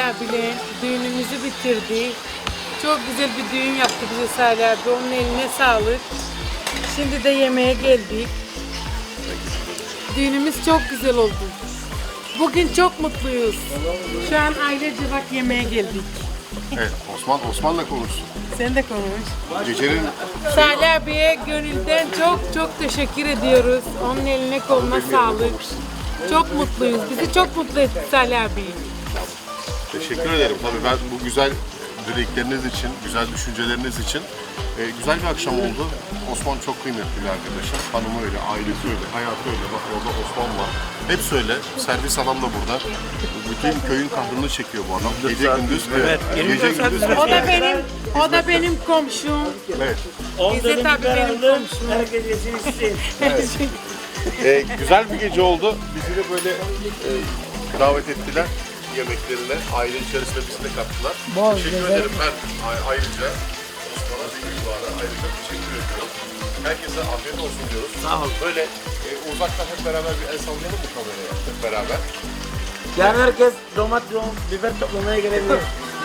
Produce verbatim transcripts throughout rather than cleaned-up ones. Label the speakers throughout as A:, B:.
A: abiyle düğünümüzü bitirdi. Çok güzel bir düğün yaptı bize Salih abi. Onun eline sağlık. Şimdi de yemeğe geldik. Düğünümüz çok güzel oldu. Bugün çok mutluyuz. Şu an ailece bak yemeğe geldik.
B: Evet, Osman, Osman'la konuşsun.
A: Sen de konuş.
B: Gecenin
A: Salih abiye gönülden çok çok teşekkür ediyoruz. Onun eline koluna sağlık. Çok mutluyuz. Bizi çok mutlu etti Salih abi.
B: teşekkür ederim. Tabii ben bu güzel dilekleriniz için, güzel düşünceleriniz için e, güzel bir akşam oldu. Osman çok kıymetli bir arkadaşım. Hanımı öyle, ailesi öyle, hayatı öyle. Bak orada Osman var. Hepsi öyle. Servis adam da burada. Bütün köyün kahrını çekiyor bu adam. Gece gündüz. Evet. Gece gündüz.
A: O da benim, o da benim komşum.
B: Evet.
A: İzzet abi benim komşum.
C: Herkes yesin içsin.
B: E, güzel bir gece oldu. Bizi de böyle e, davet ettiler yemeklerine. Aile içerisinde bizi de kattılar. Teşekkür ederim ben a- ayrıca. Osman'a Büyükbahar'a ayrıca teşekkür ediyorum. Herkese afiyet olsun diyoruz.
C: Sağ ol.
B: Böyle e, uzaktan hep beraber bir el sallayalım mı kameraya hep beraber?
C: Yarın herkes domates, biber toplamaya gelebilir.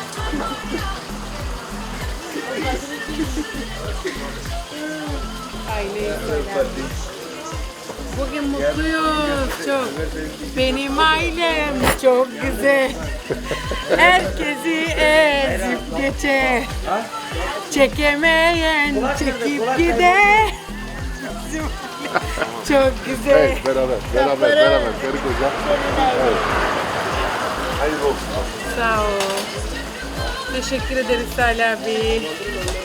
A: Aileyi söyler. Bugün mutluyuz çok. Benim ailem çok güzel. Herkesi ezip geçer. Çekemeyen çekip gider. Çok güzel.
B: Evet beraber, beraber, beraber. Karı koca. Evet. Hayırlı olsun.
A: Sağ ol. Teşekkür ederiz Salih abi.